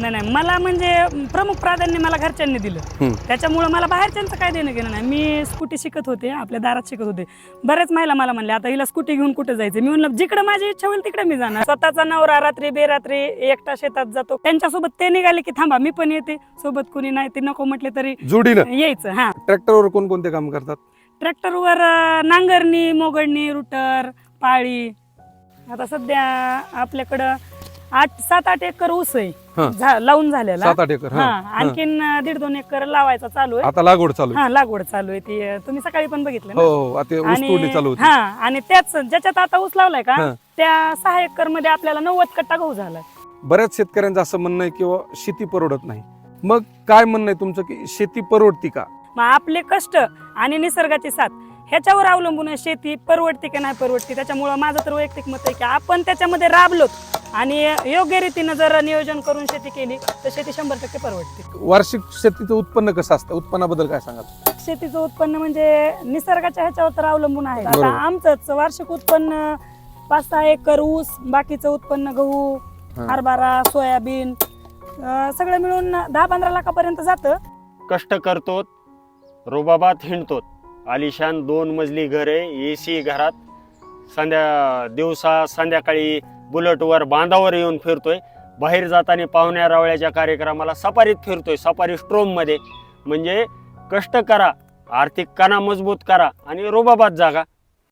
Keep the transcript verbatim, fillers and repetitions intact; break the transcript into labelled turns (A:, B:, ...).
A: नाही नाही मला म्हणजे प्रमुख प्राधान्य मला घरच्यांनी दिलं, त्याच्यामुळे मला बाहेरच्यांचं काय देणं घेणं नाही. मी स्कूटी शिकत होते, आपल्या दारात शिकत होते. बरेच महिला मला म्हणले आता हिला स्कूटी घेऊन कुठे जायचं. मी म्हणलं जिकडे माझी इच्छा होईल तिकडे मी जाणार. स्वतःचा नवरा रात्री बेरात्री एकटा शेतात जातो, त्यांच्यासोबत ते निघाले की थांबा मी पण येते सोबत. कुणी नाही ते नको म्हटले तरी
B: जोडीनं
A: यायचं. हा,
B: ट्रॅक्टरवर कोणकोणते काम करतात?
A: ट्रॅक्टरवर नांगरणी, मोगडणी, रुटर, पाळी. आता सध्या आपल्याकडं आठ सात आठ एकर ऊस आहे झा- लावून झालेला.
B: सात आठ एकर
A: हा, आणखीन दीड दोन एकर लावायचा चालू आहे.
B: आता लागवड चालू आहे.
A: हा, लागवड चालू आहे. ती तुम्ही सकाळी पण बघितलं
B: हो
A: ना.
B: हो, आता ऊस तोडणी चालू होती.
A: हा, आणि त्याच ज्याच्यात आता ऊस लावलाय का
B: हा.
A: त्या सहा एकर मध्ये आपल्याला नव्वद कट्टा गहू झालाय.
B: बऱ्याच शेतकऱ्यांचं असं म्हणणं आहे किंवा शेती परवडत नाही. मग काय म्हणणं आहे तुमचं की शेती परवडती का?
A: मग आपले कष्ट आणि निसर्गाची साथ ह्याच्यावर अवलंबून आहे शेती परवडते की नाही परवडते. त्याच्यामुळं माझं तर वैयक्तिक मत आहे की आपण त्याच्यामध्ये राबलो आणि योग्य रीतीनं जर नियोजन करून शेती केली तर शेती शंभर टक्के परवडते.
B: वार्षिक शेतीचं उत्पन्न कसं असतं? उत्पन्नाबद्दल काय सांगाल?
A: शेतीचं उत्पन्न म्हणजे निसर्गाच्या ह्याच्यावर तर अवलंबून आहे. आता आमचंच वार्षिक उत्पन्न पाच सहा एकर ऊस, बाकीचं उत्पन्न गहू, हरभरा, सोयाबीन अं, सगळं मिळून दहा पंधरा लाखापर्यंत जातं.
C: कष्ट करतो, रुबाबात हिंडतो. आलिशान दोन मजली घर आहे, ए सी घरात. संध्या दिवसा संध्याकाळी बुलेटवर बांधावर येऊन फिरतोय. बाहेर जाताना पाहुण्या रावळ्याच्या कार्यक्रमाला सफारीत फिरतोय, सफारी स्ट्रोममध्ये. म्हणजे कष्ट करा, आर्थिक कणा मजबूत करा आणि रुबाबात जागा.